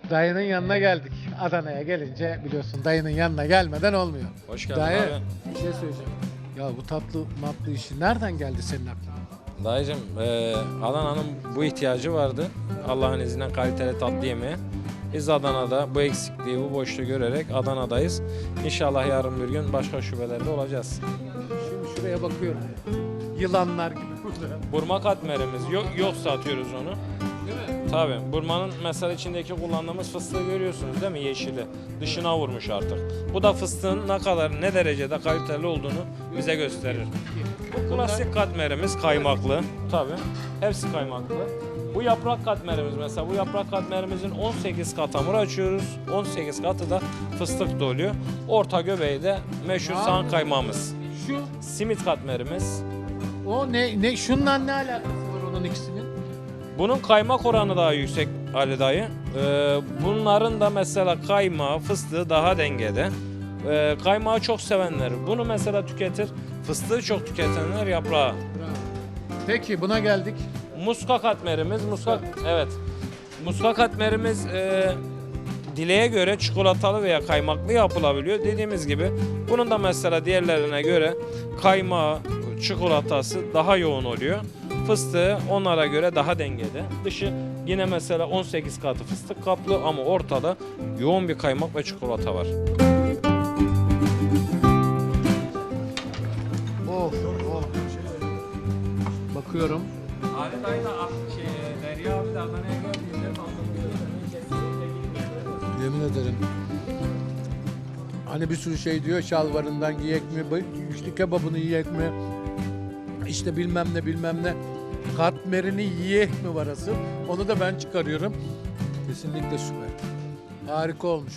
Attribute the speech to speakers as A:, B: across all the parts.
A: Dayının yanına geldik. Adana'ya gelince biliyorsun dayının yanına gelmeden olmuyor.
B: Hoş geldin
A: Dayı,
B: abi.
A: bir şey söyleyeceğim. Ya bu tatlı matlı işi nereden geldi senin aklına?
B: Dayıcım, Adana'nın bu ihtiyacı vardı. Allah'ın izniyle kaliteli tatlı yemeye. Biz Adana'da bu eksikliği, bu boşluğu görerek Adana'dayız. İnşallah yarın bir gün başka şubelerde olacağız.
A: Şimdi şuraya bakıyorum. Yılanlar gibi burada.
B: Burma katmerimiz yok satıyoruz onu.
A: Değil mi?
B: Tabii. Burmanın mesela içindeki kullandığımız fıstığı görüyorsunuz değil mi? Yeşili. Dışına vurmuş artık. Bu da fıstığın ne derecede kaliteli olduğunu bize gösterir. Bu klasik katmerimiz kaymaklı. Tabii. Hepsi kaymaklı. Bu yaprak katmerimiz mesela. Bu yaprak katmerimizin 18 kat hamur açıyoruz. 18 katı da fıstık doluyor. Orta göbeği de meşhur sağan kaymağımız.
A: Şu,
B: Simit katmerimiz.
A: o ne, şununla ne alakası var onun ikisinin?
B: Bunun kaymak oranı daha yüksek Ali dayı. Bunların da mesela kaymağı, fıstığı daha dengede. Kaymağı çok sevenler bunu mesela tüketir. Fıstığı çok tüketenler yaprağı.
A: Bravo. Peki buna geldik.
B: Muska katmerimiz, evet. Muska katmerimiz dileğe göre çikolatalı veya kaymaklı yapılabiliyor. Dediğimiz gibi bunun da mesela diğerlerine göre kaymağı, çikolatası daha yoğun oluyor. Fıstığı onlara göre daha dengede. Dışı yine mesela 18 katı fıstık kaplı ama ortada yoğun bir kaymak ve çikolata var.
A: Of of. Bakıyorum.
B: Ali dayı da Derya abi de Adana'ya geldiğinde
A: Yemin ederim. Hani bir sürü şey diyor, şalvarından giyek mi, işte kebabını yiyek mi, işte bilmem ne, katmerini yiyek mi var asıl, onu da ben çıkarıyorum. Kesinlikle süper. Harika olmuş.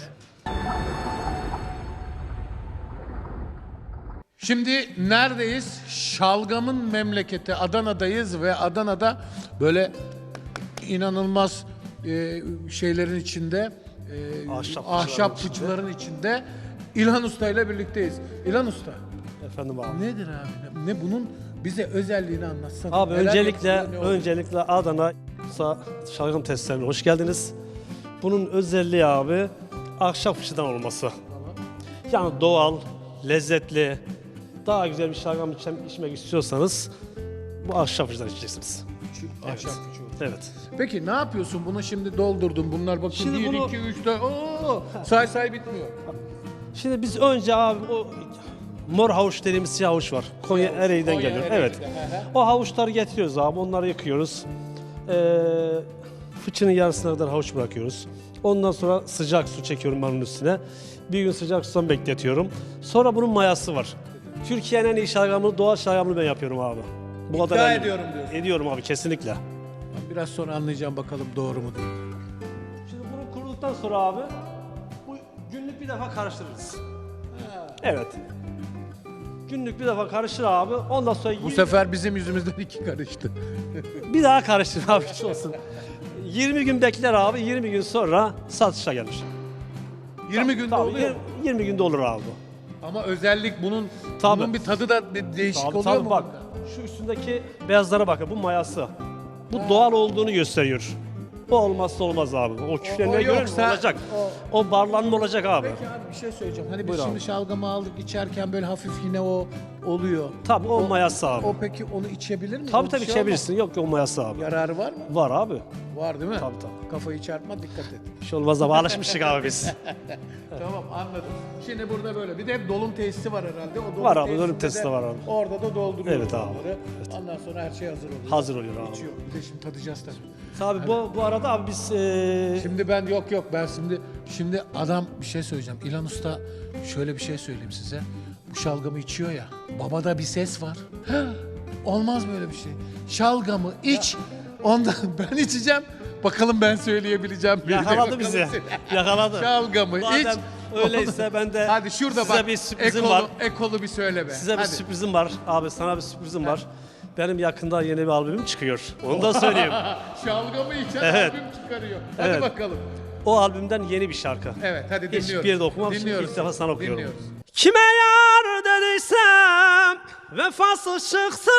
A: Şimdi neredeyiz? Şalgamın memleketi Adana'dayız ve Adana'da böyle inanılmaz şeylerin içinde, ahşapçıların içinde İlhan Usta ile birlikteyiz. İlhan Usta,
C: Efendim abi.
A: nedir abi? Ne bunun bize özelliğini anlatsana.
C: Abi
A: Neler
C: öncelikle
A: yapılıyor, ne oluyor?
C: Adana şalgam testlerine hoş geldiniz. Bunun özelliği abi ahşap fıçıdan olması. Yani doğal, lezzetli, daha güzel bir şalgam içmek istiyorsanız bu ahşap fıçıdan içeceksiniz.
A: Ahşap fıçı.
C: Evet.
A: Peki ne yapıyorsun? Bunu şimdi doldurdum. Bunlar bakın
C: Şimdi
A: 1,
C: bunu-
A: 2, 3, 4. Oo, say bitmiyor.
C: Şimdi biz önce abi o mor havuç dediğimiz siyah havuç var. Konya Ereğli'den
A: Konya
C: geliyor.
A: Ereğli'de,
C: Evet. O havuçları getiriyoruz abi. Onları yıkıyoruz. Fıçının yarısına kadar havuç bırakıyoruz. Ondan sonra sıcak su çekiyorum ben onun üstüne. Bir gün sıcak sudan bekletiyorum. Sonra bunun mayası var. Türkiye'nin en iyi şalgamını, doğal şalgamını ben yapıyorum abi. Bu kadar eminim.
A: ediyorum diyorsun.
C: Ediyorum abi kesinlikle.
A: Ben biraz sonra anlayacağım bakalım doğru mu değil.
C: Şimdi bunu kuruduktan sonra abi bu günlük bir defa karıştırırız. Evet. Günlük bir defa karıştır abi. Ondan sonra
A: Bu sefer bizim yüzümüzden 2 karıştı.
C: bir daha karıştır abi hiç olsun. 20 gün bekler abi. 20 gün sonra satışa gelir.
A: 20 günde
C: Tabii,
A: oluyor.
C: 20 günde olur abi.
A: Ama özellik bunun
C: Tabii.
A: bunun bir tadı da değişik
C: Tabii,
A: oluyor
C: tabii
A: mu?
C: bak. Şu üstündeki beyazlara bakın. Bu mayası. Bu doğal olduğunu gösteriyor. Bu olmazsa olmaz abi. O küflenmeye göre
A: yoksa-
C: olacak. O barlanma olacak abi.
A: Peki abi bir şey söyleyeceğim. Hani biz
C: Buyur
A: şimdi
C: abi.
A: şalgamı aldık içerken böyle hafif yine o oluyor.
C: Tabii o mayası abi.
A: O peki onu içebilir mi?
C: Tabii
A: O
C: tabii
A: bir şey
C: içebilirsin. Yok o mayası abi.
A: olmaz. Yararı var mı?
C: Var abi.
A: Var değil mi?
C: Tabii, tabii.
A: Kafayı çarpma dikkat et.
C: Bir şey olmaz abi. Alışmıştık abi biz.
A: Tamam anladım. Şimdi burada böyle. Bir de dolum tesisi var herhalde. O dolum
C: Var abi,
A: tesisinde
C: dolum tesisi de var abi.
A: Orada da dolduruyoruz
C: Evet abi.
A: onları. Ondan sonra her şey hazır oluyor.
C: Hazır oluyor abi.
A: İçiyor. Bir de şimdi tadacağız tabii.
C: Tabii bu arada abi biz
A: Şimdi ben yok ben şimdi adam bir şey söyleyeceğim. İlhan Usta şöyle bir şey söyleyeyim size. Bu şalgamı içiyor ya. Babada bir ses var. Olmaz böyle bir şey. Şalgamı iç. Ondan ben içeceğim. Bakalım ben söyleyebileceğim. mi?
C: yakaladı
A: Bakalım
C: bizi.
A: sen-
C: Yakaladı.
A: Şalgamı iç.
C: Madem öyleyse ben de
A: Hadi şurada
C: size
A: bak.
C: bir sürprizim var.
A: Ekolu bir söyle be.
C: Size bir
A: Hadi.
C: sürprizim var. Abi sana bir sürprizim var. Benim yakında yeni bir albümüm çıkıyor. Onu da söyleyeyim.
A: Şalgamı içen
C: Evet.
A: albüm çıkarıyor. Hadi
C: Evet.
A: bakalım.
C: O albümden yeni bir şarkı.
A: Evet hadi dinliyoruz.
C: Hiçbir yerde okumamışım.
A: Dinliyoruz.
C: İlk defa sana okuyorum.
A: Dinliyoruz.
C: Kime yar dediysem vefasız çıktı.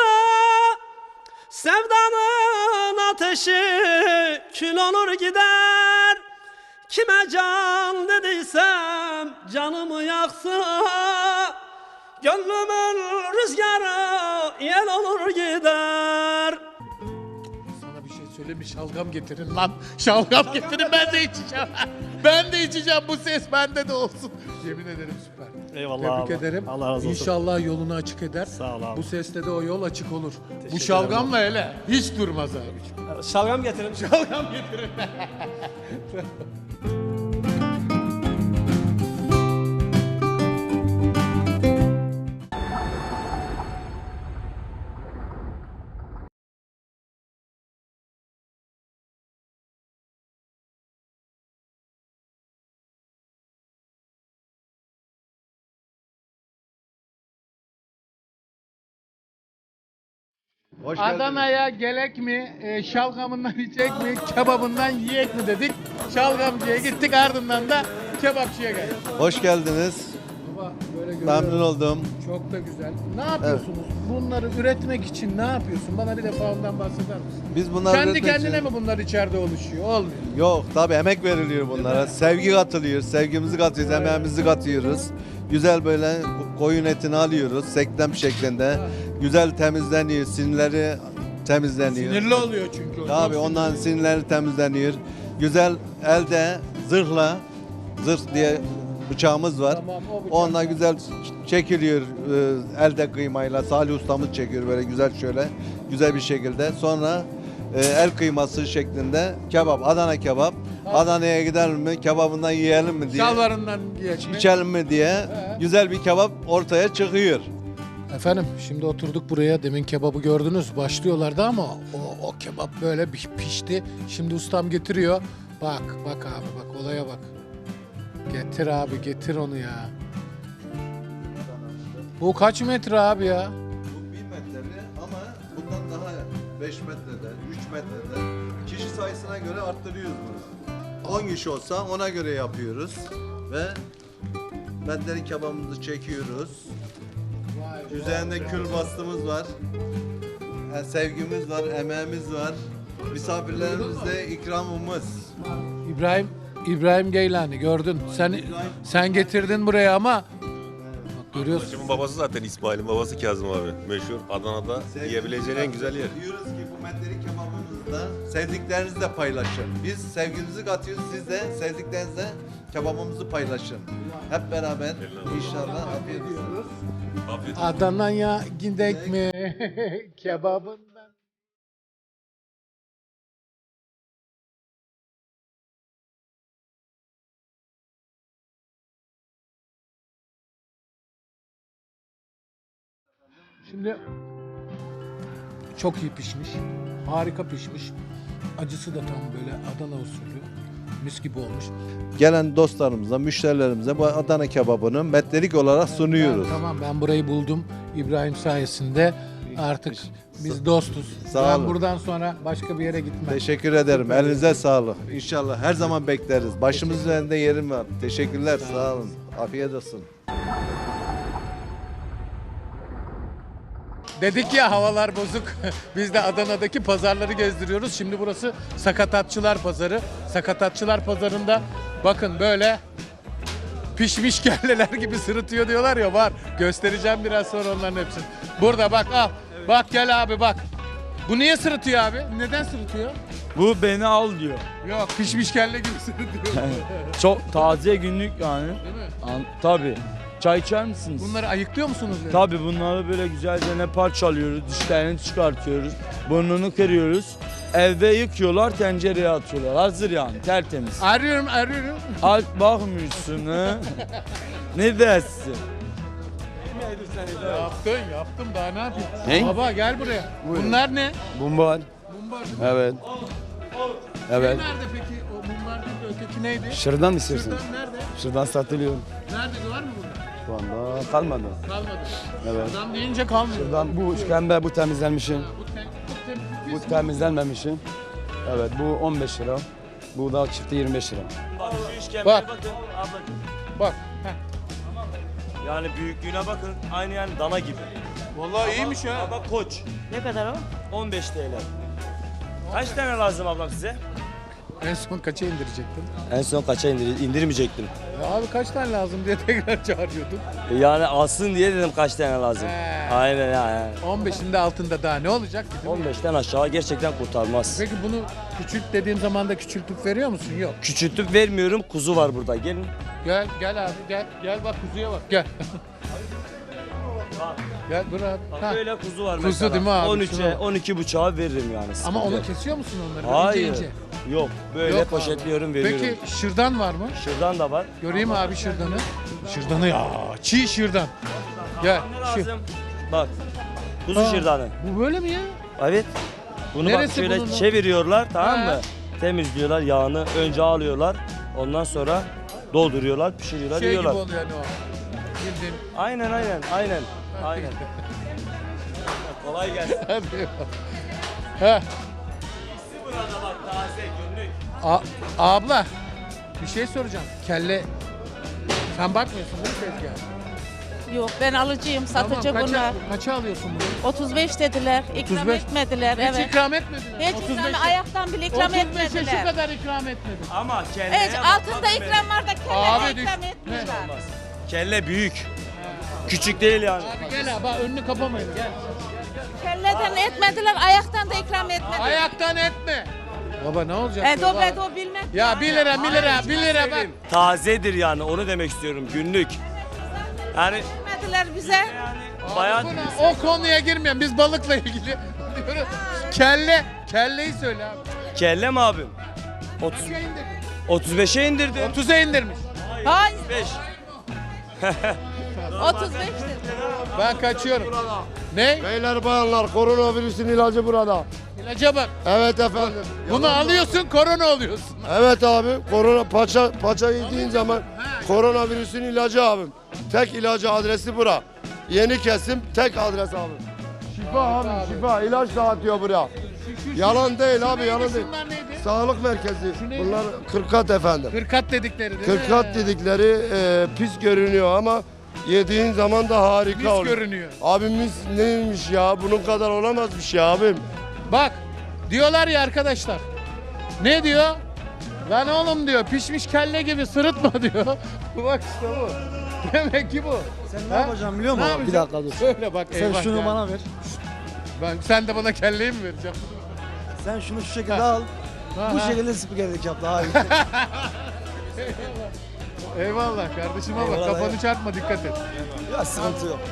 C: Sevdanın ateşi kül olur gider. Kime can dediysem canımı yaksa, gönlümün rüzgarı yel olur gider.
A: Sana bir şey söyleyeyim mi? Şalgam getirin lan. Şalgam getirin, ben de içeceğim. Ben de içeceğim, bu ses bende de olsun. Yemin ederim süper.
C: Eyvallah
A: Tebrik
C: abi.
A: ederim.
C: Allah razı olsun.
A: İnşallah yolunu açık eder.
C: Sağ ol abi.
A: Bu sesle de o yol açık olur. Bu
C: ederim
A: şalgamla hele hiç durmaz abi.
C: Şalgam getirin.
A: Şalgam getirin.
D: Hoş geldiniz.
A: Adana'ya gelek mi, şalgamından içecek mi, kebabından yiyek mi dedik. Şalgamcıya gittik, ardından da kebapçıya geldik.
D: Hoş geldiniz.
A: Baba böyle görüyorum.
D: Memnun oldum.
A: Çok da güzel. Ne yapıyorsunuz? Bunları üretmek için ne yapıyorsun? Bana bir defa ondan bahseder misin?
D: Biz bunları
A: Kendi
D: üretmek
A: kendine
D: için-
A: mi bunlar içeride oluşuyor? Olmuyor.
D: Yok tabii emek veriliyor bunlara. Sevgi katılıyor. Sevgimizi katıyoruz, emeğimizi katıyoruz. Güzel böyle koyun etini alıyoruz. Seklem şeklinde. Güzel temizleniyor. Sinirleri temizleniyor.
A: Sinirli oluyor çünkü o.
D: Tabii
A: Çok
D: ondan
A: sinirli.
D: sinirleri temizleniyor. Güzel elde zırhla, zırh diye bıçağımız var.
A: Tamam, o bıçak.
D: Onunla güzel çekiliyor elde kıymayla. Salih ustamız çekiyor böyle güzel şöyle güzel bir şekilde. Sonra el kıyması şeklinde kebap, Adana kebap. Adana'ya gidelim mi, kebabından yiyelim mi diye,
A: Şalvarından geçme.
D: içelim mi diye güzel bir kebap ortaya çıkıyor.
A: Efendim şimdi oturduk buraya, demin kebabı gördünüz, başlıyorlardı ama o kebap böyle bir pişti. Şimdi ustam getiriyor. Bak abi, bak olaya bak. Getir abi, getir onu ya. Bu kaç metre abi ya?
D: Bu 1 metreli ama bundan daha 5 metrede, 3 metrede kişi sayısına göre arttırıyoruz bunu. 10 kişi olsa ona göre yapıyoruz ve beddeli kebabımızı çekiyoruz. Üzerinde kül bastığımız var. Yani sevgimiz var, emeğimiz var. Misafirlerimizde ikramımız.
A: İbrahim Geylani gördün. Sen getirdin buraya ama bak görüyorsun.
E: Arkadaşımın babası zaten İsmail'in babası Kazım abi. Meşhur Adana'da yiyebileceğin en güzel yer.
D: Diyoruz ki bu meddeli kebabımızda sevdiklerinizle paylaşın. Biz sevgimizi katıyoruz, siz de sevdiklerinizle kebabımızı paylaşın. Hep beraber inşallah afiyet olsun.
E: Afiyet olsun.
A: Adana'ya gidek mi kebabından? Şimdi çok iyi pişmiş, harika pişmiş. Acısı da tam böyle Adana usulü, mis gibi olmuş.
D: Gelen dostlarımıza, müşterilerimize bu Adana kebabını metrelik olarak sunuyoruz.
A: Ben burayı buldum İbrahim sayesinde. Artık biz dostuz.
D: Sağ
A: Ben
D: olun.
A: buradan sonra başka bir yere gitmem.
D: Teşekkür ederim. Elinize sağlık. İnşallah her zaman bekleriz. Başımız üzerinde yerim var. Teşekkürler. Sağ olun. Afiyet olsun.
A: Dedik ya havalar bozuk. Biz de Adana'daki pazarları gezdiriyoruz. Şimdi burası Sakatatçılar Pazarı. Sakatatçılar Pazarı'nda bakın böyle pişmiş kelleler gibi sırıtıyor diyorlar ya, var. Göstereceğim biraz sonra onların hepsini. Burada bak al. Bak gel abi bak. Bu niye sırıtıyor abi? Neden sırıtıyor?
F: Bu beni al diyor.
A: Yok, pişmiş kelle gibi sırıtıyor.
F: Çok taze günlük yani.
A: Değil mi?
F: Tabii. Çay içer misiniz?
A: Bunları ayıklıyor musunuz? böyle?
F: Tabii bunları böyle güzelce ne parçalıyoruz, dişlerini çıkartıyoruz, burnunu kırıyoruz. Evde yıkıyorlar, tencereye atıyorlar. Hazır yani, tertemiz.
A: Arıyorum.
F: Al bakmıyorsun ha. Ne dersin?
A: Yaptım daha ne yapayım?
F: Ne?
A: Baba gel buraya. Bunlar ne?
F: Mumbar.
A: Mumbar.
F: Evet. Evet.
A: Nerede peki? O mumbar değil de öteki neydi?
F: Şırdan istiyorsun?
A: Şuradan nerede?
F: Şırdan satılıyor.
A: Nerede var mı burada?
F: Şu anda kalmadı.
A: Kalmadı.
F: Evet.
A: Adam deyince kalmıyor.
F: Şırdan bu işkembe, bu temizlenmişin.
A: Bu
F: Bu temizlenmemişin. Evet bu 15 lira. Bu da çifti 25 lira.
A: Bak. Bak. Heh.
G: Yani büyüklüğüne bakın. Aynı yani dana gibi.
A: Vallahi iyiymiş ha.
G: Baba koç.
H: Ne kadar o?
G: 15 TL. Kaç tane lazım ablam size?
A: En son kaça indirecektin?
G: En son kaça indirmeyecektim.
A: Abi kaç tane lazım diye tekrar çağırıyordun.
G: Yani alsın diye dedim kaç tane lazım.
A: He.
G: Aynen yani.
A: 15'inde altında daha ne olacak ki, değil mi?
G: 15'ten aşağı gerçekten kurtarmaz.
A: Peki bunu küçült dediğim zaman da küçültüp veriyor musun? Yok.
G: Küçültüp vermiyorum. Kuzu var burada. Gelin.
A: Gel abi gel bak kuzuya bak gel. Gel dur abi.
G: Bak
A: Ha.
G: böyle kuzu var
A: Kuzu
G: mesela.
A: değil mi abi? Şuna
G: 13'e
A: bak.
G: 12 buçuğa veririm yani.
A: Ama
G: sıkıntı
A: onu
G: yok.
A: kesiyor musun onları?
G: Hayır.
A: İnce ince.
G: Yok. Böyle
A: Yok abi.
G: poşetliyorum veriyorum.
A: Peki şırdan var mı?
G: Şuradan da var.
A: Göreyim abi şırdanı. Şırdanı ya çiğ şırdan. Gel.
G: Ne
A: Şu.
G: lazım? Bak. Kuzu
A: Ha,
G: şırdanı.
A: Bu böyle mi ya?
G: Evet. Bunu
A: Neresi
G: bak şöyle
A: bunun?
G: çeviriyorlar, tamam
A: Ha.
G: mı? Temizliyorlar yağını. Önce alıyorlar. Ondan sonra dolduruyorlar, pişiriyorlar,
A: Şey gibi
G: yiyorlar.
A: oluyor yani o. Bildiğin.
G: Aynen. Kolay gelsin.
A: Hadi. Heh.
G: Burada bak taze günlük.
A: Abla bir şey soracağım. Kelle sen bakmıyorsun değil mi tezgaha?
H: Yok ben alıcıyım, satıcı
A: Tamam,
H: bunlar.
A: kaça alıyorsun bunu?
H: 35 dediler, ikram
A: 35.
H: etmediler.
A: Hiç
H: Evet.
A: ikram etmediler.
H: Hiç ikram, ayaktan bile ikram
A: 35'e
H: etmediler.
A: şu kadar ikram etmedi.
G: Ama kelleye
H: Evet,
G: bak,
H: altında
G: bak
H: ikram var da
A: Abi
H: kelleye
A: düş-
H: ikram
A: Ne?
H: etmiyorlar.
G: Kelle büyük. Küçük değil yani.
A: Abi gel abi bak önünü kapamayın gel.
H: Kelleden etmediler, ayaktan da ikram etmediler.
A: Ayaktan etme. Baba ne olacak?
H: Dobre do bilmem.
A: Ya 1 lira 1 lira bak.
G: Tazedir yani onu demek istiyorum günlük. Yani
H: Etmediler bize.
G: bayan
A: O konuya girmeyelim. Biz balıkla ilgili diyoruz. Kelleyi söyle abi.
G: kelle mi abim? 35'e indirdim.
A: 30'a indirmiş.
H: Hayır,
G: 5.
H: 35 dedi.
A: Ben kaçıyorum. Ne?
I: Beyler bayanlar koronavirüsün ilacı burada.
A: İlaca bak.
I: Evet efendim.
A: Bunu alıyorsun korona oluyorsun.
I: Evet abi korona paça yediğin zaman koronavirüsün ilacı abim. Tek ilacı adresi bura. Yeni kesim tek adres abi. Şifa abi şifa ilaç dağıtıyor buraya. Yalan değil abi yalan değil.
A: Şunlar neydi?
I: Sağlık merkezi.
A: Şu neydi?
I: Bunlar kırkat efendim.
A: Kırkat dedikleri değil mi?
I: Kırkat dedikleri pis görünüyor ama yediğin zaman da harika
A: Mis
I: oluyor.
A: görünüyor.
I: Abimiz neymiş ya bunun kadar olamazmış ya abim.
A: Bak diyorlar ya arkadaşlar. Ne diyor? Lan oğlum diyor pişmiş kelle gibi sırıtma diyor. Bak işte bu. Demek ki bu.
J: Sen ne yapacaksın biliyor musun?
A: Ne
J: Bir
A: yapacağım?
J: dakika dur.
A: Şöyle bak
J: Sen
A: eyvah
J: şunu
A: ya.
J: bana ver.
A: Sen de bana kelleyi mi vereceksin?
J: Sen şunu şu şekilde al.
A: Ha,
J: Bu
A: ha.
J: şekilde spikerlik yap daha iyi.
A: Eyvallah kardeşime bak
J: Eyvallah,
A: kafanı
J: eyvallah.
A: çarpma dikkat et.
J: Ya sıkıntı yok.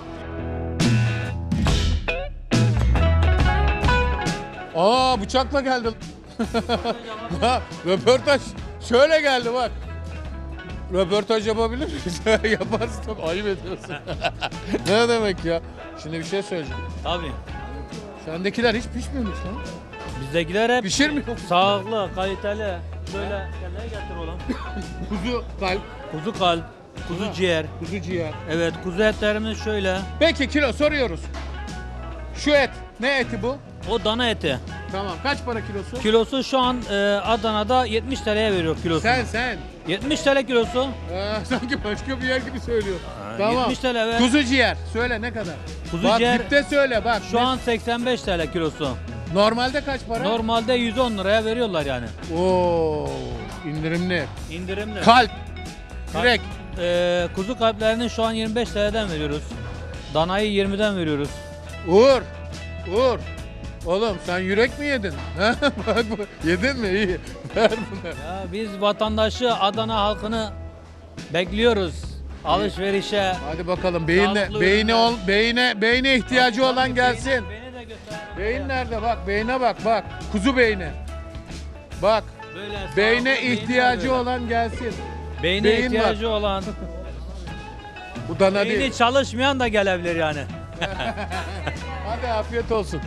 A: Aa bıçakla geldi. Ha, röportaj şöyle geldi bak. Röportaj yapabilir miyiz? Yaparsın tabii ayıp ediyorsun. Ne demek ya? Şimdi bir şey söyleyeceğim.
K: Tabii.
A: Sendekiler hiç pişmemiş lan.
K: Bizdekiler hep
A: Pişirmiyor mu?
K: sağlıklı, kaliteli. Böyle kendine getir oğlum.
A: Kuzu kalp,
K: Kuzu kalp, kuzu ciğer.
A: kuzu ciğer.
K: Evet, kuzu etlerimiz şöyle.
A: Peki kilo soruyoruz. Şu et, ne eti bu?
K: O dana eti.
A: Tamam, kaç para kilosu?
K: Kilosu şu an Adana'da 70 TL'ye veriyor kilosu.
A: Sen.
K: 70 TL kilosu.
A: Sanki başka bir yer gibi söylüyor. Tamam.
K: 70 TL evet.
A: Kuzu ciğer, söyle ne kadar?
K: Kuzu
A: bak
K: ciğer-
A: dipte söyle bak.
K: Şu an 85 TL kilosu.
A: Normalde kaç para?
K: Normalde 110 liraya veriyorlar yani.
A: Oo, indirimli.
K: İndirimli.
A: Kalp, direkt.
K: Kuzu kalplerini şu an 25 TL'den veriyoruz. Danayı 20'den veriyoruz.
A: Uğur. Oğlum sen yürek mi yedin? Ha? Bak yedin mi? İyi. Ver bunu.
K: Ya biz vatandaşı, Adana halkını bekliyoruz. Alışverişe.
A: Hadi bakalım
K: Sağlıklı
A: beyne ihtiyacı olan gelsin.
K: Beni de göster.
A: Beyin nerede? Bak beyne bak. Kuzu beyni. Bak.
K: Böyle
A: Beyne
K: sağlıklı
A: ihtiyacı
K: beyinler
A: olan gelsin.
K: böyle. Beyne
A: beyin
K: ihtiyacı olan.
A: Bu dana
K: Beyni
A: değil.
K: çalışmayan da gelebilir yani.
A: Hadi afiyet olsun.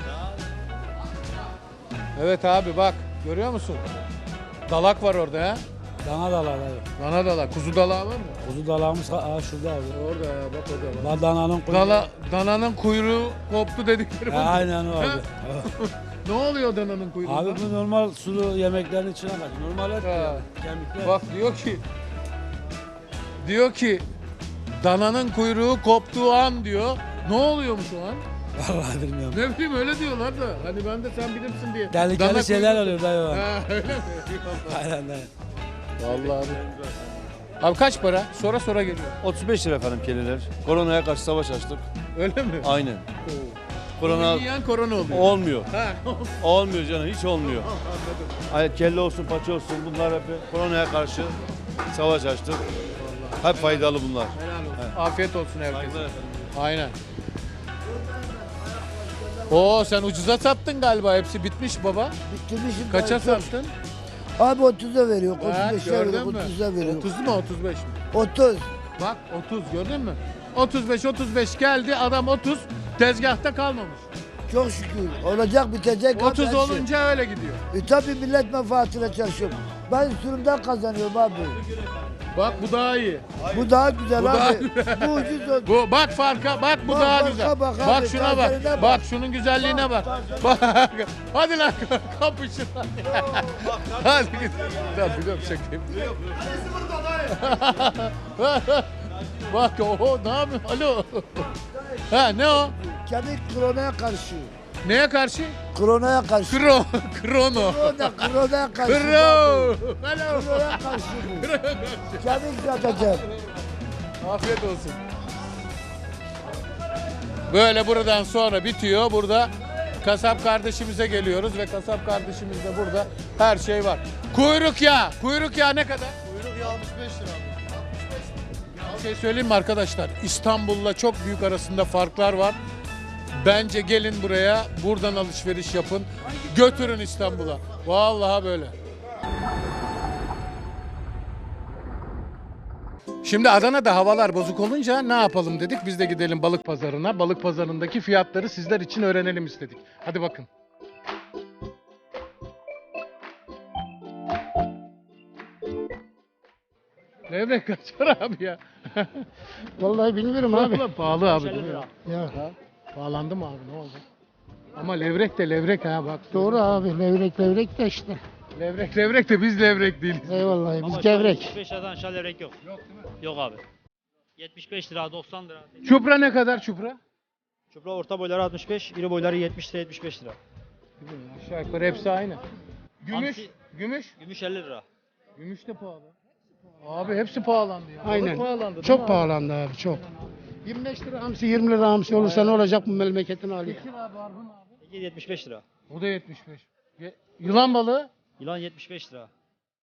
A: Evet abi bak. Görüyor musun? Dalak var orada ha.
J: Dana dalağı abi.
A: Dana dalak. Kuzu dalağı var mı?
J: Kuzu dalağımız şurada abi.
A: Orada ya bak orada. Bak.
J: Dananın
A: Dananın kuyruğu koptu dedikleri bu.
J: Aynen o abi.
A: Ne oluyor dananın kuyruğunda?
J: Abi bu normal sulu yemeklerin içine kaç. Normal et
A: Ha.
J: ya. Kemikler.
A: Bak diyor ki dananın kuyruğu koptuğu an diyor. Ne oluyormuş o an?
J: Vallahi bilmiyorum.
A: Ne bileyim öyle diyorlar da. Hani ben de sen bilirsin diye. Dana
J: Tehlikeli şeyler
A: kuyruğu-
J: oluyor dayı.
A: Ha, öyle mi?
J: Aynen dayı.
A: Vallahi abi. Abi kaç para? Sonra geliyor.
F: 35 lira efendim keliler. Koronaya karşı savaş açtık.
A: Öyle mi?
F: Aynen.
A: Korona
F: Korona
A: yiyen korona oluyor.
F: olmuyor.
A: Ha.
F: Olmuyor canım, hiç olmuyor. Ay, kelle olsun, paça olsun, bunlar hep koronaya karşı savaş açtık. Hep faydalı bunlar.
A: Helal olsun. Afiyet olsun herkese.
F: Saygılar efendim.
A: Aynen. Oo sen ucuza sattın galiba. Hepsi bitmiş baba.
L: Bitirmişim.
A: Kaça sattın?
L: Abi 30'a veriyor,
A: Ha,
L: 35'e
A: gördün
L: veriyor,
A: mü?
L: 30'a veriyor.
A: 30 mu 35 mi?
L: 30.
A: Bak 30 gördün mü? 35 geldi adam 30 tezgahta kalmamış.
L: Çok şükür. Olacak, bitecek. abi
A: 30
L: her şey.
A: olunca öyle gidiyor.
L: Tabii millet menfaatine çalışıyor. Ben sürümden kazanıyorum abi.
A: Bak bu daha iyi.
L: Bu daha güzel
A: Bu daha
L: abi.
A: güzel.
L: Bu ucuz oldu.
A: Bu bak farka bak bu
L: Bak,
A: daha
L: farka
A: güzel.
L: bak
A: Bak,
L: abi,
A: şuna
L: tarzlarına
A: bak.
L: bak.
A: Bak şunun güzelliğine bak. Bak. Hadi lan kapışın. Hadi git. Tamam biliyorum şakayım. Bak o ne yapıyor? Alo. Ha ne o?
L: Kemik kronaya karşı.
A: Neye karşı?
L: Kronaya karşı.
A: Krono.
L: Kronaya karşı.
A: Kro.
L: abi.
A: Alo.
L: Kronaya karşı bu. Kemik yatacak.
A: Afiyet olsun. Böyle buradan sonra bitiyor. Burada kasap kardeşimize geliyoruz ve kasap kardeşimizde burada her şey var. Kuyruk yağı. Kuyruk yağı ne kadar? Kuyruk yağı 65 lira. Bir şey söyleyeyim mi arkadaşlar? İstanbul'la çok büyük arasında farklar var. Bence gelin buraya, buradan alışveriş yapın. Götürün İstanbul'a. Vallahi böyle. Şimdi Adana'da havalar bozuk olunca ne yapalım dedik. Biz de gidelim balık pazarına. Balık pazarındaki fiyatları sizler için öğrenelim istedik. Hadi bakın. Levrek kaç para abi ya?
L: Vallahi bilmiyorum abi.
A: Vallahi pahalı abi değil mi?
L: Ya.
A: Ha? Pahalandı mı abi ne oldu? Ama levrek de levrek ha bak.
L: Doğru abi. Levrek de işte.
A: Levrek de biz levrek değiliz.
L: Eyvallah. Biz gevrek.
K: 75 liradan aşağı levrek yok. Yok değil mi? Yok abi. 75 lira, 90 lira.
A: Çupra ne kadar çupra?
K: Çupra orta boyları 65, iri boyları 70 lira, 75 lira.
A: Aşağı yukarı hepsi aynı. Gümüş,
K: Hamsi-
A: gümüş.
K: Gümüş 50 lira.
A: Gümüş de pahalı. Abi hepsi pahalandı ya.
L: Aynen.
A: Balık pahalandı, değil mi
L: Çok
A: abi?
L: pahalandı abi çok. 25 lira hamsi 20 lira hamsi olursa ne olacak bu memleketin hali?
A: Tekir abi, Arhun abi.
K: Tekir 75 lira.
A: O da 75. Yılan balığı.
K: Yılan 75 lira.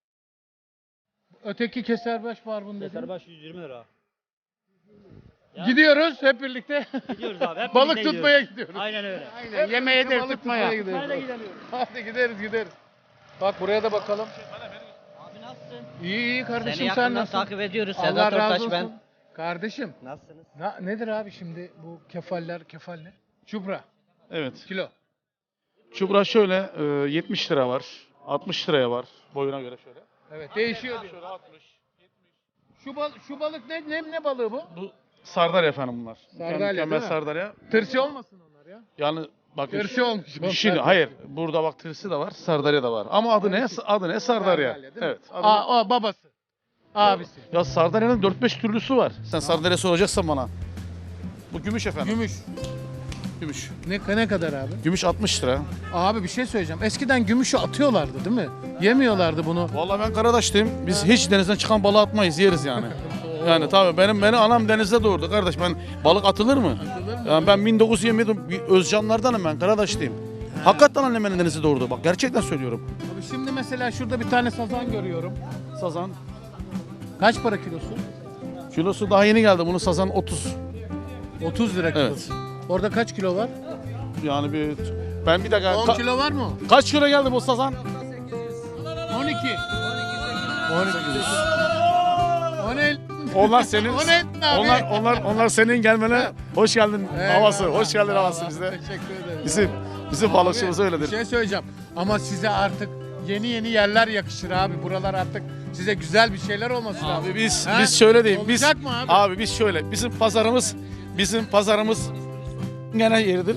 A: Öteki keserbaş barbun dedi.
K: Keserbaş 120 lira. Ya.
A: Gidiyoruz hep birlikte.
K: Gidiyoruz abi. Hep
A: Balık
K: birlikte
A: tutmaya
K: gidiyoruz.
A: gidiyoruz.
K: Aynen öyle.
A: Aynen.
L: Yemeğe de
A: Balık
L: tutmaya.
A: gidiyoruz.
K: Nerede gidemiyoruz?
A: Hadi gideriz. Bak buraya da bakalım.
K: Abi nasılsın?
A: İyi kardeşim
K: Seni
A: sen
K: yakından
A: nasılsın?
K: takip ediyoruz.
A: Allah
K: Sedat
A: razı
K: Ortaç
A: olsun.
K: ben.
A: Kardeşim
K: Nasılsınız?
A: nedir abi şimdi bu kefal ne? Çupra
M: Evet.
A: kilo.
M: Çupra şöyle 70 lira var. 60 liraya var boyuna göre şöyle.
A: Evet değişiyor diyor.
M: Şöyle 60.
A: Şu balık ne balığı bu?
M: Bu sardalya efendim bunlar.
A: Sardalya,
M: Mükemmel
A: değil mi?
M: sardalya.
A: Tırsı olmasın onlar ya.
M: Yani bakın
A: Tırsı olmuş.
M: şimdi hayır burada bak tırsı da var, sardalya da var. Ama adı ne? Adı ne? Sardalya.
A: değil mi?
M: Evet. Adı
A: O babası. Abisi.
M: ya sardalyanın 4-5 türlüsü var. Sen sardalya soracaksan bana. Bu gümüş efendim.
A: Gümüş.
M: Gümüş.
A: Ne kadar abi?
M: Gümüş 60 lira.
A: Abi bir şey söyleyeceğim. Eskiden gümüşü atıyorlardı değil mi? Yemiyorlardı bunu.
M: Vallahi ben Karadaş'tayım. Biz hiç denizden çıkan balığı atmayız, yeriz yani. Yani tabii beni anam denizde doğurdu kardeş. Ben balık atılır mı? Yani ben 1927 Özcanlardanım ben, Karadaş'tayım. Hakikaten annem beni denizde doğurdu. Bak gerçekten söylüyorum.
A: Abi şimdi mesela şurada bir tane sazan görüyorum.
M: Sazan.
A: Kaç para kilosu?
M: Kilosu daha yeni geldi. Bunu sazan 30.
A: 30 lira kilosu.
M: Evet.
A: Orada kaç kilo var?
M: Yani ben bir dakika.
A: 10 kilo var mı?
M: Kaç kilo geldi bu sazan?
A: 12. 12. O ne?
M: Onlar senin.
A: O ne abi?
M: onlar senin gelmene hoş geldin havası. Hoş geldin havası bizde.
A: Teşekkür ederim.
M: Bizim balıkçımız
A: Abi,
M: öyledir.
A: Bir şey söyleyeceğim. Ama size artık yeni yerler yakışır abi. Buralar artık size güzel bir şeyler olması lazım.
M: Abi biz
A: Ha?
M: şöyle diyeyim. Biz
A: Olacak mı abi?
M: abi biz şöyle. Bizim pazarımız gene yeridir.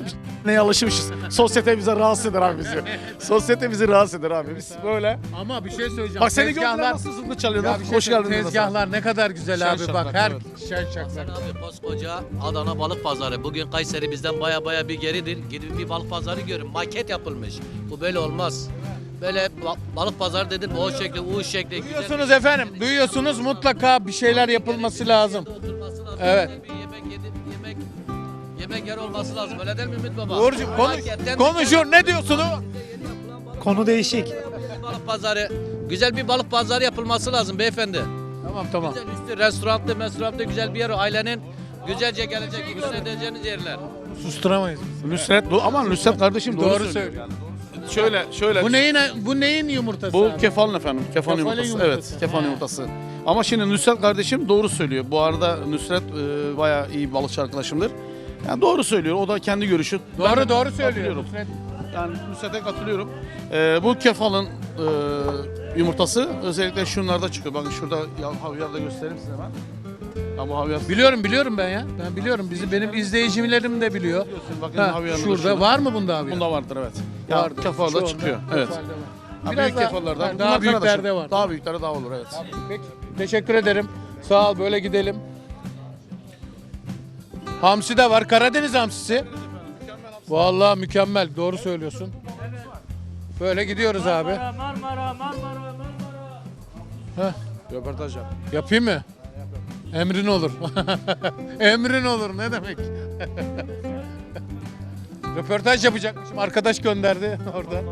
M: neye alışmışız. Sosyete bize rahatsız eder abi bizi. Sosyete bizi rahatsız eder abi. Biz böyle.
A: Ama bir şey söyleyeceğim.
M: Bak seni
A: Tezgahlar-
M: gördüler nasıl zıplı çalıyorlar.
A: Ya bir şey
M: Hoş
A: söyleyeyim,
M: geldin.
A: Tezgahlar ne kadar güzel
M: Şen
A: abi
M: şakrak,
A: bak. Her
M: evet.
A: şen şakrak.
N: Abi koskoca Adana Balık Pazarı. Bugün Kayseri bizden baya bir geridir. Gidin bir balık pazarı görün. Maket yapılmış. Bu böyle olmaz. Böyle balık pazarı dedim o şekli, U şekli.
A: Duyuyorsunuz efendim. Duyuyorsunuz, mutlaka bir şeyler yapılması lazım. Evet.
N: Yemek yer olması lazım. Öyle değil mi Ümit Baba?
A: Uğurcuğum konuşuyor. Ne diyorsun o?
J: Konu değişik.
N: Balık pazarı. Güzel bir balık pazarı yapılması lazım beyefendi.
A: Tamam.
N: Güzel üstü restoranlı güzel bir yer. Ailenin güzelce gelecek, edeceğiniz yerler.
A: Susturamayız.
M: Nusret, ama Nusret kardeşim doğru söylüyor. Şöyle.
A: Bu neyin yumurtası?
M: Bu
A: abi?
M: kefalın efendim. Kefalın yumurtası.
A: yumurtası.
M: Evet, kefalın
A: He.
M: yumurtası. Ama şimdi Nusret kardeşim doğru söylüyor. Bu arada Nusret bayağı iyi bir balıkçı arkadaşımdır. Yani doğru söylüyor. O da kendi görüşü.
A: Doğru söylüyor.
M: Katılıyorum. Yani Nusret'e katılıyorum. Bu kefalın yumurtası özellikle şunlarda çıkıyor. Bakın şurada havyarda göstereyim size ben. Ya bu havyar.
A: Biliyorum ben ya. Ben biliyorum. Benim izleyicilerim de biliyor.
M: Bakın
A: Ha,
M: havyarında
A: şurada var mı bunda havyar?
M: Bunda vardır evet. Ya
A: Vardır.
M: kefalda
A: Çoğunda
M: çıkıyor.
A: kefalde
M: Evet.
A: var.
M: Ha,
A: Biraz
M: büyük kefallarda.
A: daha
M: Bunlar
A: büyüklerde
M: kardeşim.
A: var.
M: Daha büyükleri daha olur evet.
A: Peki. Teşekkür ederim. Sağ ol. Böyle gidelim. Hamsi de var. Karadeniz hamsisi. Vallahi mükemmel. Doğru söylüyorsun. Böyle gidiyoruz abi. Heh.
M: Röportaj yap.
A: Yapayım mı? Emrin olur. Emrin olur ne demek? Röportaj yapacakmışım. Arkadaş gönderdi oradan.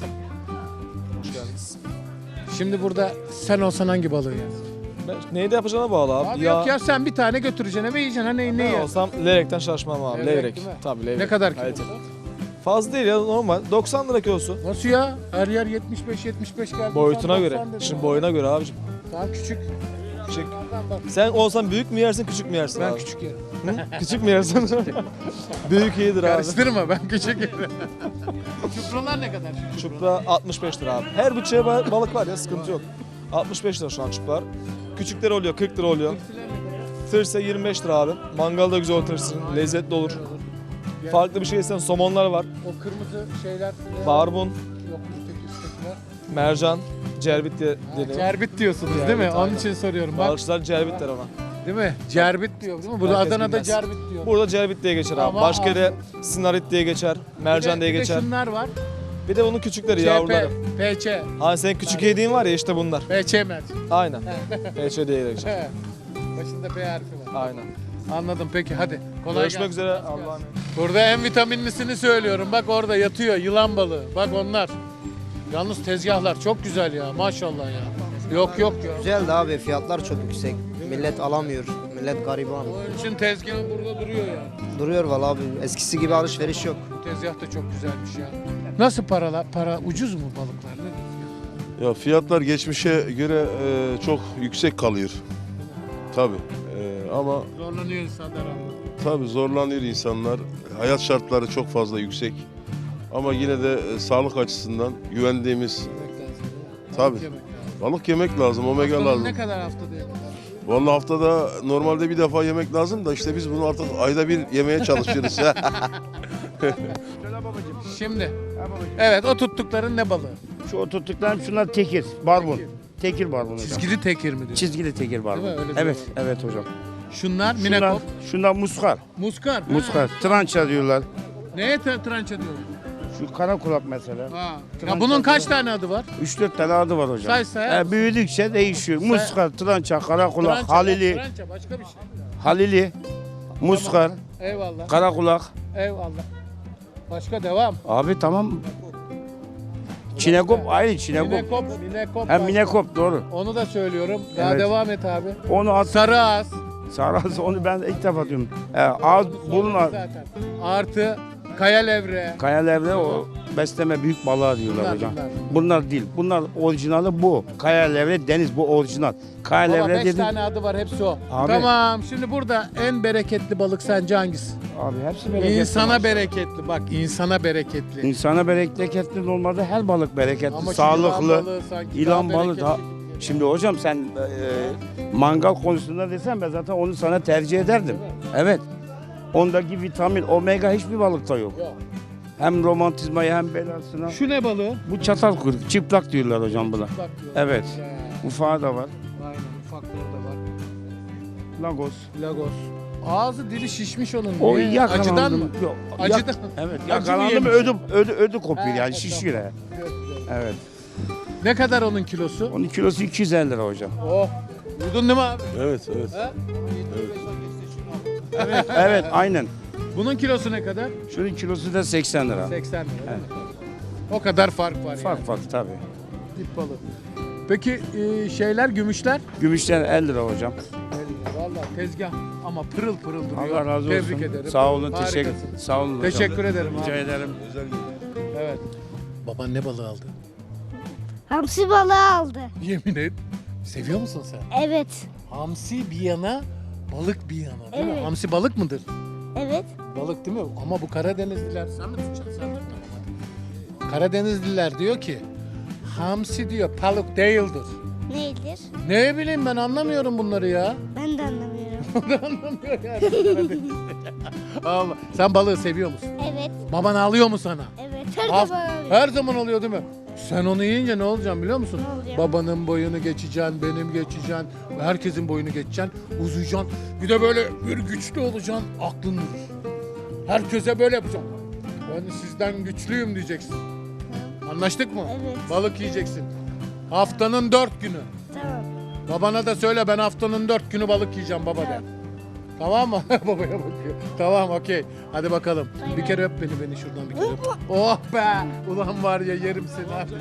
M: Hoş geldiniz.
A: Şimdi burada sen olsan hangi balığı yersin?
J: Neyde yapacağına bağlı abi.
A: Abi yok ya sen bir tane götüreceksin eve yiyeceksin. Ha ne
J: Ben
A: yersin?
J: olsam levrekten şaşmam abi.
A: Levrek
J: Levrek.
A: değil mi?
J: Tabii levrek.
A: Ne kadar kilo?
J: Kaliteli. Fazla değil ya normal. 90 lira kilosu.
A: Nasıl ya? Her yer 75-75 geldi.
J: Boyutuna
A: Sen
J: göre.
A: 90 dedin.
J: Şimdi boyuna göre abicim.
A: Daha küçük.
J: Küçük.
A: Onlardan bak.
J: Sen olsan büyük mü yersin küçük mü yersin
A: Ben
J: abi?
A: küçük yerim.
J: Hı? Küçük mü yersin? Büyük iyidir abi.
A: Karıştırma ben küçük yerim. Çupralar ne kadar?
J: Çupra 65 lira abi. Her bütçeye balık var ya sıkıntı yok. 65 lira şu an çuplar. Küçükleri oluyor 40 lira oluyor. Tırsa 25 lira abi. Mangalda güzel olur tırsın. Lezzetli olur. Farklı bir şey isen somonlar var.
A: O kırmızı şeyler.
J: Barbun,
A: Yok üsttekiler.
J: mercan, cerbit diye deniyor.
A: Cerbit diyorsunuz değil mi?
J: Cerbit,
A: Onun
J: aynen.
A: için soruyorum. Bak,
J: Balıkçılar cerbit der ona.
A: değil mi? Cerbit diyor değil mi? Burada
J: Herkes
A: Adana'da
J: bilmez.
A: cerbit diyor.
J: Burada cerbit diye geçer abi.
A: Ama
J: Başka
A: abi-
J: yere sinarit diye geçer, mercan diye
A: Bir de
J: geçer.
A: şunlar var.
J: Bir de bunun küçükleri yavruları.
A: PC.
J: Hani senin küçük yediğin var ya işte bunlar.
A: PC merci.
J: Aynen. PC diye geçer.
A: Başında P harfi var.
J: Aynen.
A: Anladım peki hadi. Kolay
J: Görüşmek
A: gelsin.
J: üzere. Allah'a emanet.
A: Burada en vitaminlisini söylüyorum. Bak orada yatıyor yılan balığı. Bak onlar. Yalnız tezgahlar çok güzel ya maşallah ya. Yok ya.
O: Güzel de abi fiyatlar çok yüksek. Millet alamıyor. Millet gariban.
A: Onun için tezgahı burada duruyor yani.
O: Duruyor valla abi. Eskisi gibi alışveriş yok.
A: Bu tezgah da çok güzelmiş ya. Nasıl para ucuz mu balıklar? Ne?
P: Ya fiyatlar geçmişe göre çok yüksek kalıyor. Tabii. Ama
A: Zorlanıyor insanlar ama.
P: tabii zorlanıyor insanlar. Hayat şartları çok fazla yüksek. Ama yine de sağlık açısından güvendiğimiz tabii balık yemek lazım, omega
A: Haftanın
P: lazım.
A: ne kadar haftada yemek?
P: Vallahi haftada normalde bir defa yemek lazım da işte biz bunu artık ayda bir yemeye çalışıyoruz.
A: Şimdi. Evet o tuttukların ne balığı?
L: Şu o tuttuklarım şunlar tekir, barbun. Tekir barbun hocam.
A: Çizgili tekir mi diyorsun?
L: Çizgili tekir barbun.
A: Değil mi? Öyle
L: Evet,
A: diyorlar.
L: evet hocam.
A: Şunlar minekop.
L: Şunlar muskar.
A: Muskar.
L: Muskar. Trança diyorlar.
A: Neye trança diyorlar?
L: Şu kara kulak mesela.
A: Ha.
L: Trança
A: Ya bunun kaç
L: diyorlar.
A: tane adı var?
L: 3-4 tane adı var hocam.
A: Say, say.
L: Büyüdükçe değişiyor. Muskar, trança, kara kulak,
A: Trança,
L: halili,
A: Trança başka bir şey.
L: halili, muskar,
A: Eyvallah.
L: kara kulak.
A: Eyvallah. Başka devam.
L: Abi tamam. Çinekop aynı çinekop.
A: Minekop.
L: Ha
A: başka.
L: minekop doğru.
A: Onu da söylüyorum. Daha
L: Evet.
A: devam et abi.
L: Onu at.
A: Sarı ağız.
L: Saraz onu ben ilk defa diyorum. Ağız burun
A: Zaten. Artı kaya levre.
L: Kayalevre o besleme büyük balığa diyorlar
A: Bunlar,
L: hocam.
A: bunlar.
L: Bunlar değil. Bunlar orijinali bu. Kayalevre deniz bu orijinal.
A: Baba
L: Kayalevre
A: 5
L: dedim.
A: tane adı var hepsi o.
L: Abi.
A: Tamam şimdi burada en bereketli balık sence hangisi?
L: Abi hepsi bereketli.
A: İnsana
L: maşallah.
A: bereketli bak insana bereketli.
L: İnsana bereketli normalde her balık bereketli.
A: Ama şu
L: sağlıklı.
A: yılan balığı sanki
L: İlan
A: daha
L: balığı
A: bereketli
L: daha.
A: gibi geliyor.
L: Şimdi hocam sen mangal konusunda desen ben zaten onu sana tercih ederdim. Evet. Ondaki vitamin, omega hiçbir balıkta yok.
A: Yok.
F: Hem romantizmayı hem belasına.
L: Şu ne balığı?
F: Bu çatal kuyruk, çıplak diyorlar hocam buna.
L: Çıplak diyorlar.
F: Evet. Ufağı da var.
L: Aynen ufakları da var.
F: Lagos.
L: Lagos. Ağzı dili şişmiş onun.
F: O
L: Niye?
F: yakalandım.
L: Acıdan mı?
F: Yok.
L: Acıdan.
F: Evet.
L: Acı
F: Yakalandım
L: mı
F: ödü kopuyor yani
L: tamam.
F: şişiyor. Evet.
L: Ne kadar onun kilosu?
F: Onun kilosu 250 lira hocam.
L: Oh. Duydun değil mi abi?
P: Evet, evet.
L: He?
F: Evet aynen.
L: Bunun kilosu ne kadar?
F: Şunun kilosu da 80 lira.
L: 80 lira. değil mi? O kadar fark var
F: Fark tabii.
L: Dip balığı. Peki şeyler, gümüşler?
F: Gümüşten 50 lira hocam.
L: Vallahi tezgah ama pırıl pırıl duruyor.
F: Allah razı olsun.
L: Tebrik ederim.
F: Sağ olun,
L: Harikasın.
F: sağ olun hocam.
L: Teşekkür ederim
F: Rica
L: abi.
F: ederim.
L: Evet. Baban ne balığı aldı?
Q: Hamsi balığı aldı.
L: Yemin et. Seviyor musun sen?
Q: Evet.
L: Hamsi bir yana, balık bir yana değil mi?
Q: Evet.
L: Hamsi balık mıdır?
Q: Evet.
L: Balık değil mi? Ama bu Karadenizliler, sen mi tutacaksın? Sen tut. Karadenizliler diyor ki, hamsi diyor balık değildir.
Q: Neydir?
L: Ne bileyim ben anlamıyorum bunları ya.
Q: Ben de anlamıyorum.
L: O da anlamıyor yani. Allah. Sen balığı seviyor musun?
Q: Evet.
L: Baban alıyor mu sana?
Q: Evet. Her
L: Al-
Q: zaman alıyor.
L: Her zaman alıyor değil mi? Sen onu yiyince ne olacaksın biliyor musun?
Q: Ne olacak?
L: Babanın boyunu geçeceksin, benim geçeceksin, herkesin boyunu geçeceksin, uzayacaksın. Bir de böyle bir güçlü olacaksın, aklın durur. Herkese böyle yapacaksın. Ben sizden güçlüyüm diyeceksin. Anlaştık mı?
Q: Evet.
L: Balık yiyeceksin. Haftanın 4 günü.
Q: Tamam.
L: Babana da söyle ben haftanın 4 günü balık yiyeceğim baba de. Tamam mı? Babaya bakıyor. Tamam okey. Hadi bakalım. Bir kere öp beni şuradan bir kere öp. Oh be! Ulan var ya yerim seni abi.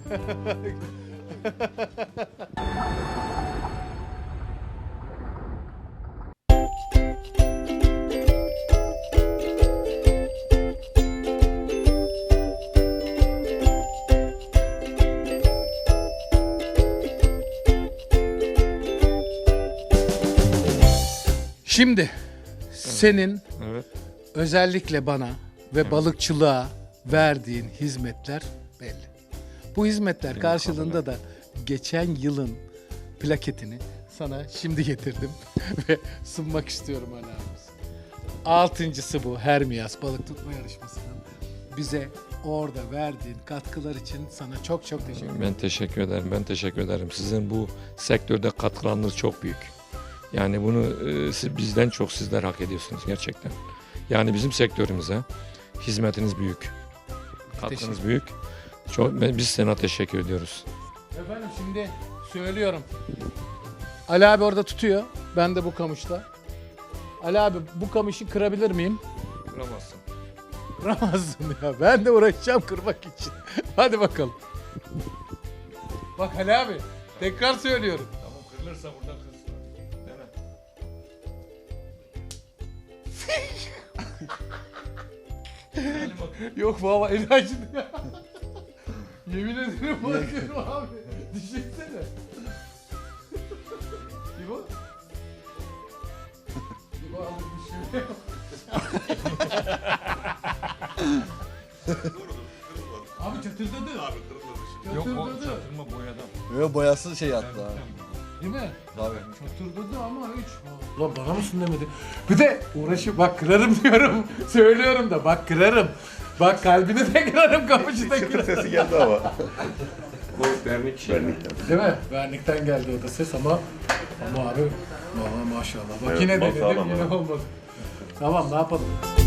L: Şimdi senin
B: Evet.
L: özellikle bana ve balıkçılığa verdiğin hizmetler belli. Bu hizmetler karşılığında da geçen yılın plaketini sana şimdi getirdim ve sunmak istiyorum Ali abimiz. Altıncısı bu Hermias balık tutma yarışmasının. Bize orada verdiğin katkılar için sana çok çok teşekkür ederim.
B: Ben teşekkür ederim. Ben teşekkür ederim. Sizin bu sektörde katkılarınız çok büyük. Yani bunu bizden çok sizler hak ediyorsunuz gerçekten. Yani bizim sektörümüze hizmetiniz büyük. Katkınız büyük. Biz sana teşekkür ediyoruz.
L: Efendim şimdi söylüyorum. Ali abi orada tutuyor. Ben de bu kamışla. Ali abi bu kamışı kırabilir miyim?
B: Kıramazsın.
L: Kıramazsın ya. Ben de uğraşacağım kırmak için. Hadi bakalım. Bak Ali abi tekrar söylüyorum.
B: Tamam kırılırsa burada kırsın.
L: Yok baba el acıdı ya. Yemin ederim bakıyorum abi. Düşünsene. İbo? İbo abi düşünüyor. Abi çatırdadı. Abi
B: Yok o
L: çatırdadı.
B: çatırma boyadan.
D: Yok boyası şey yaptı abi.
L: Değil mi?
D: Tabii.
L: Çatırdadı ama hiç. Ulan bana mısın demedi. Bir de uğraşıp bak kırarım diyorum. Söylüyorum da bak kırarım. Bak kalbini de kırarım, kamışı da kırarım.
P: Sesi geldi ama.
B: Bu vernik.
L: Değil mi? Vernikten geldi o da ses ama abi valla maşallah. Bak
E: Evet,
L: yine
E: bak
L: denedim
E: sağlam
L: yine
E: abi.
L: olmadı. Tamam ne yapalım?